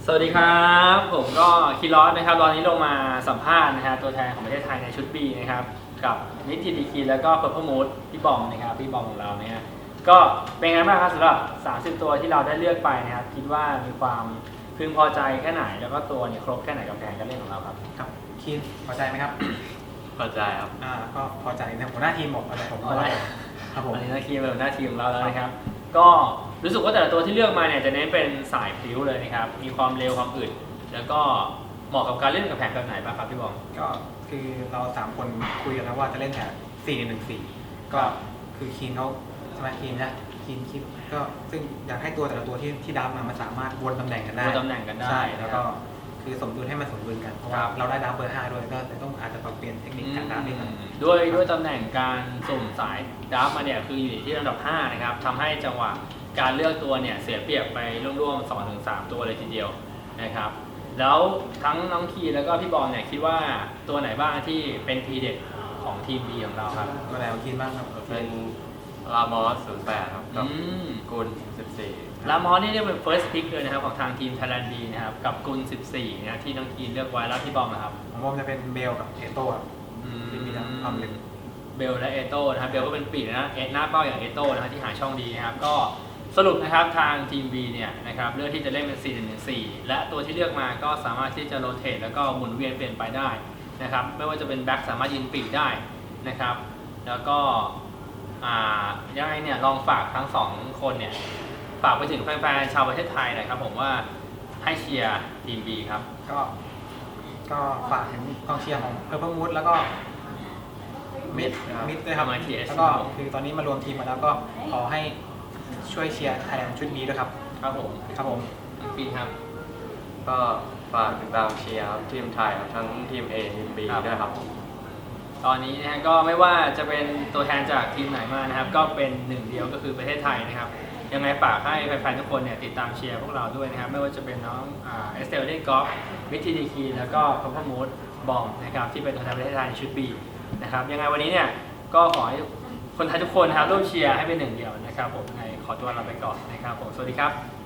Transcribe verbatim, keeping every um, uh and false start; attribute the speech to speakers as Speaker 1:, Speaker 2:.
Speaker 1: สวัสดีครับผมก็คีรอสนะครับตอนนี้ลงมาสัมภาษณ์นะฮะตัวแทนของประเทศไทยในชุด B นะครับกับนิติดีคีแล้วก็เพอร์เพมูดพี่บอมนะครับพี่บอมของเราเนี่ยก็เป็นไงบ้างครับสำหรับสามสิบตัวที่เราได้เลือกไปนะครับคิดว่ามีความพึงพอใจแค่ไหนแล้วก็ตัวเนี่ยครบแค่ไหนกับแผนการเล่นของเราครับ
Speaker 2: ครับคินพอใจไหมครับ
Speaker 3: พอใจครับ
Speaker 2: อ่าก็พอใจนะหัวหน้าทีมบอกอะไรผมก็ครับผม
Speaker 1: อันนี้หน้าทีมเป็นหน้าทีมของเราแล้วนะครับก็รู้สึกว่าแต่ละตัวที่เลือกมาเนี่ยจะเน้นเป็นสายพลิ้วเลยนะครับมีความเร็วความอึดแล้วก็เหมาะกับการเล่นกับแผนแบบไหนบ้างครับพี่บอม
Speaker 2: ก็คือเราสามคนคุยกันแล้วว่าจะเล่นแผนสี่หนึ่งสี่ก็คือคีนเขาใช่ไหมคีนนะคีนคิดก็ซึ่งอยากให้ตัวแต่ละตัวที่ที่ดับมามันสามารถวนตำแหน่งกันได้
Speaker 1: วนตำแหน่งกันได้
Speaker 2: ใช่แล้วก็คือสมดุลให้มันสมดุลกันเพราะว่าเราได้ดับเบอร์ห้าด้วยก็ต้องอาจจะปรับเปลี่ยนเทคนิคการดับนิดหน่อย
Speaker 1: ด้วยด้วยตำแหน่งการสุ่มสายดับมาเนี่ยคืออยู่ที่ระดับห้านะครับทำให้จังหวะการเลือกตัวเนี่ยเสียเปรียบไปร่วมๆ สองถึงสาม ตัวเลยทีเดียวนะครับแล้วทั้งน้องคีแล้วก็พี่บอลเนี่ยคิดว่าตัวไหนบ้างที่เป็นทีเด็ดของทีม B ของเราครับ
Speaker 2: ตัวไหนคินบ้างครับ
Speaker 3: เป็นลามอสศูนย์แปดครับกับกุลสิบสี่
Speaker 1: ลามอสนี่เรียกเป็น first pick เลยนะครับของทางทีมไทยแลนด์ B นะครับกับกุลสิบสี่นะที่น้องคีเลือกไว้แล้วพี่บอมนะครับ
Speaker 2: ของผมจะเป็นเบลกับเอโต้ที่มีทั้งความเร็ว
Speaker 1: เบลและเอโต้นะครับเบลก็เป็นปีกนะเอหน้าเป้าอย่างเอโต้นะครับที่หาช่องดีนะครับก็สรุปนะครับทางทีม B เนี่ยนะครับเลือกที่จะเล่นเป็น สี่หนึ่งหนึ่งสี่ และตัวที่เลือกมาก็สามารถที่จะโรเตทแล้วก็หมุนเวียนเปลี่ยนไปได้นะครับไม่ว่าจะเป็นแบ็คสามารถยืนปีกได้นะครับแล้วก็ยังไงเนี่ยลองฝากทั้งสองคนเนี่ยฝากไปถึงแฟนๆชาวประเทศไทยหน่อยครับผมว่าให้เชียร์ทีม B ครับ
Speaker 2: ก็ก็ฝากถึงกองเชียร์ของเพอร์เพมูดแล้วก็มิดมิดด้วยครับแล้วก็คือตอนนี้มารวมทีมมาแล้วก็ขอให้ช่วยเชียร์ไทยแลนด์ชุดนี้ด้วยครับ
Speaker 1: ครับผม
Speaker 2: ครับผม
Speaker 1: ปีครับ
Speaker 3: ก็ฝากติดตามเชียร์ทีมไทยทั้งทีม A ทีม B ด้วยครับ
Speaker 1: ตอนนี้นะฮะก็ไม่ว่าจะเป็นตัวแทนจากทีมไหนมานะครับก็เป็นหนึ่งเดียวก็คือประเทศไทยนะครับยังไงฝากให้แฟนๆทุกคนเนี่ยติดตามเชียร์พวกเราด้วยนะครับไม่ว่าจะเป็นน้องเอสเตลเล่นกอล์ฟวิทีดีคีแล้วก็พัมพมูดบอมนะครับที่เป็นตัวแทนประเทศไทยในชุด B นะครับยังไงวันนี้เนี่ยก็ขอให้คนไทยทุกคนนะครับร่วมเชียร์ให้เป็นหนึ่งเดียวนะครับผมในขอตัวลาไปก่อนนะครับผมสวัสดีครับ